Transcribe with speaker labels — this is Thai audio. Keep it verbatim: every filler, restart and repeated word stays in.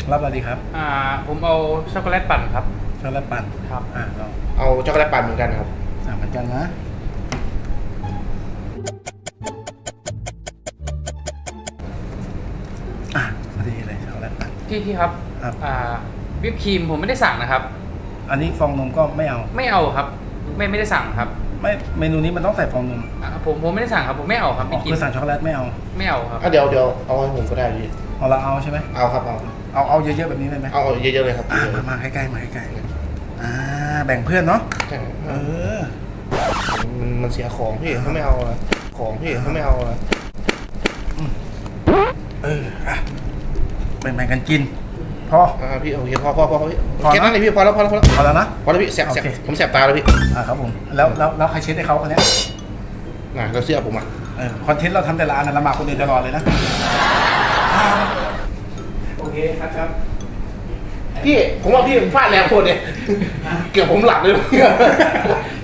Speaker 1: รับอะไรดีครับ
Speaker 2: อ่าผมเอาช็อกโกแลตปั่นครับ
Speaker 1: ช็อกโกแลตปั่น
Speaker 2: ครับ
Speaker 1: อ่าเรา
Speaker 3: เอาช็อกโกแลตปั่นเหมือนกันครับ
Speaker 1: อ่าเหมือนกันนะอ่ะพอดีเลยช็อกโกแลตปั่น
Speaker 2: พี่พี่ครับ
Speaker 1: ครับ
Speaker 2: อ่าวิปครีมผมไม่ได้สั่งนะครับ
Speaker 1: อันนี้ฟองนมก็ไม่เอา
Speaker 2: ไม่เอาครับ ไม่ไม่ได้สั่งครับ
Speaker 1: ไม่เมนูนี้มันต้องใส่ฟองนม
Speaker 2: อ่าผมผมไม่ได้สั่งครับผมไม่เอาครับ
Speaker 1: อ๋
Speaker 2: ไม่
Speaker 1: อ
Speaker 2: กิน
Speaker 1: คือสั่งช็อกโกแลตไม่เอา
Speaker 2: ไม่เอาครับ
Speaker 3: อ่ะเดี๋ยวเดี๋ยวเอาให้ผมก็ได้พี่
Speaker 1: เอาเราเอาใช่ไหม
Speaker 3: เอาครับเอา
Speaker 1: เอาเอาเยอะๆแบบนี้เลยไหม
Speaker 3: เอาเยอะๆเลยครับ
Speaker 1: อ่ามามาใกล้ๆมาใกล้ๆอ่าแบ่งเพื่อนเนาะ
Speaker 3: ใช่
Speaker 1: เออ
Speaker 3: มันมันเสียของพี่เขาไม่เอาอะของพี่เขาไม่เอาอะ
Speaker 1: เอออ่ะแบ่งๆกันกินพอ
Speaker 3: อ่าพี่โอเคพอพอพอพอพี่
Speaker 1: พอนะ
Speaker 3: แค่นั้นเลยพี่พอแล้วพอแล้วพอแล้ว
Speaker 1: พอแล้วนะ
Speaker 3: พอแล้วพี่แสบแสบ
Speaker 1: โอเค
Speaker 3: ผมแสบตาแล้วพี่
Speaker 1: อ่าครับผมแล้วแล้วแล้วใครเช็ดให้เขาคนเนี้ย
Speaker 3: น่ะแล้วเสื้อผมอ่ะ
Speaker 1: เออคอนเทนต์เราทำแต่ละอันนะลำบากคนอื่นตลอดเลยนะโอเคครับครับ
Speaker 3: พี่ผมว่าพี่ผมฟาดแรงโคตรเนี่ยเกือบผมหลับเลย